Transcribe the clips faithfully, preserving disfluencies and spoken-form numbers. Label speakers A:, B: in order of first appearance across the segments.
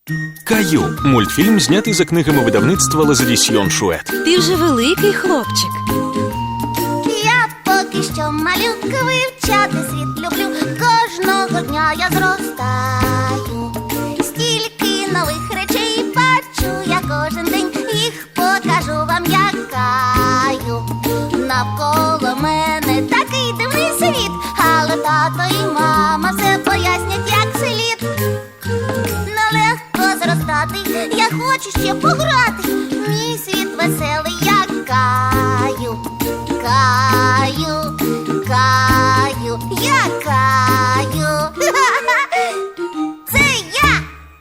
A: Каю – мультфільм, знятий за книгами видавництва Лазадісьйон Шует.
B: Ти вже великий хлопчик.
C: Я поки що малютка, вивчати світ люблю. Кожного дня я зростаю. Стільки нових речей бачу я кожен день. Їх покажу вам, як Каю. Навколо мене такий дивний світ, але тато і мама все пояснять, як слід. Нелегко зростати, я хочу ще пограти. Мій світ веселий, як Каю. Каю, Каю, я Каю. Це я.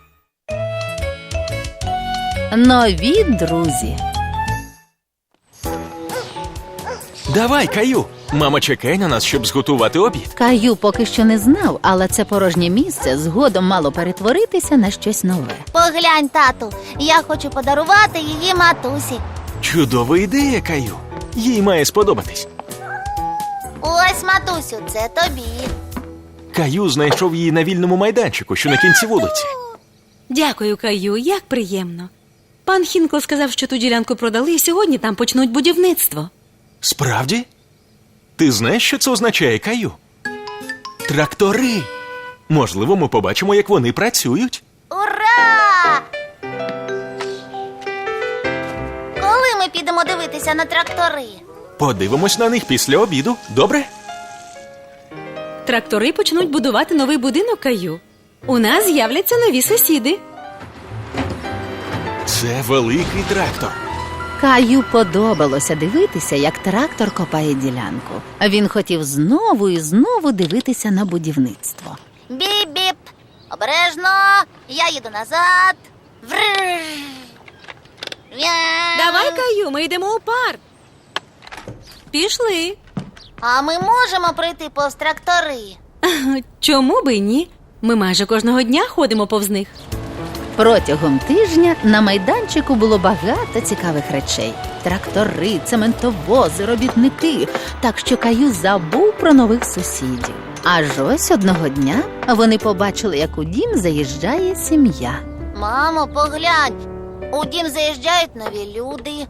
B: Нові друзі.
A: Давай, Каю! Мама чекає на нас, щоб зготувати обід.
B: Каю поки що не знав, але це порожнє місце згодом мало перетворитися на щось нове.
C: Поглянь, тату, я хочу подарувати її матусі.
A: Чудова ідея, Каю. Їй має сподобатись.
C: Ось, матусю, це тобі.
A: Каю знайшов її на вільному майданчику, що на кінці вулиці.
D: Дякую, Каю, як приємно. Пан Хінкл сказав, що ту ділянку продали, і сьогодні там почнуть будівництво.
A: Справді? Ти знаєш, що це означає, Каю? Трактори! Можливо, ми побачимо, як вони працюють.
C: Ура! Коли ми підемо дивитися на трактори?
A: Подивимось на них після обіду, добре?
D: Трактори почнуть будувати новий будинок, Каю. У нас з'являться нові сусіди.
A: Це великий трактор.
B: Каю подобалося дивитися, як трактор копає ділянку. Він хотів знову і знову дивитися на будівництво.
C: Біп-біп! Обережно! Я їду назад. Врррр. Вя.
D: Давай, Каю, ми йдемо у парк. Пішли.
C: А ми можемо пройти повз трактори?
D: Чому би й ні? Ми майже кожного дня ходимо повз них.
B: Протягом тижня на майданчику було багато цікавих речей. Трактори, цементовози, робітники. Так що Каю забув про нових сусідів. Аж ось одного дня вони побачили, як у дім заїжджає сім'я.
C: Мамо, поглянь. У дім заїжджають нові люди.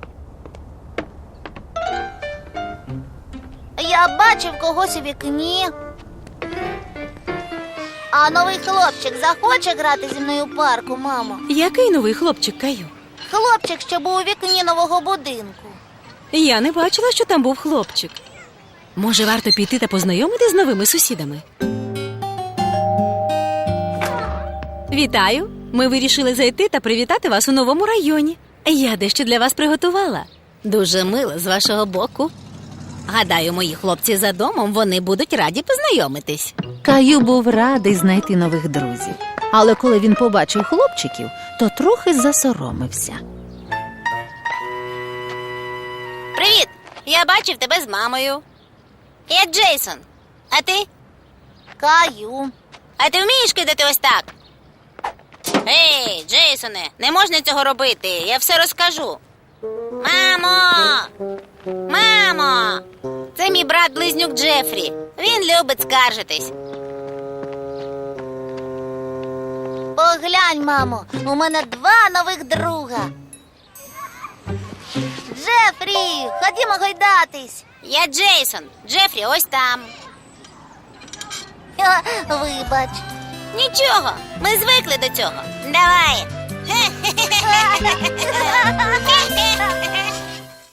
C: Я бачив когось у вікні. А новий хлопчик захоче грати зі мною у парку, мамо?
D: Який новий хлопчик, Каю?
C: Хлопчик, що був у вікні нового будинку.
D: Я не бачила, що там був хлопчик. Може, варто піти та познайомити з новими сусідами? Вітаю! Ми вирішили зайти та привітати вас у новому районі. Я дещо для вас приготувала. Дуже мило з вашого боку. Гадаю, мої хлопці за домом, вони будуть раді познайомитись.
B: Каю був радий знайти нових друзів. Але коли він побачив хлопчиків, то трохи засоромився.
C: Привіт! Я бачив тебе з мамою. Я Джейсон. А ти? Каю. А ти вмієш кидати ось так? Ей, Джейсоне, не можна цього робити. Я все розкажу. Мамо! Мамо! Це мій брат-близнюк Джефрі. Він любить скаржитись. Поглянь, мамо, у мене два нових друга. Джефрі, ходімо гойдатись. Я Джейсон. Джефрі ось там. А, вибач. Нічого, ми звикли до цього. Давай.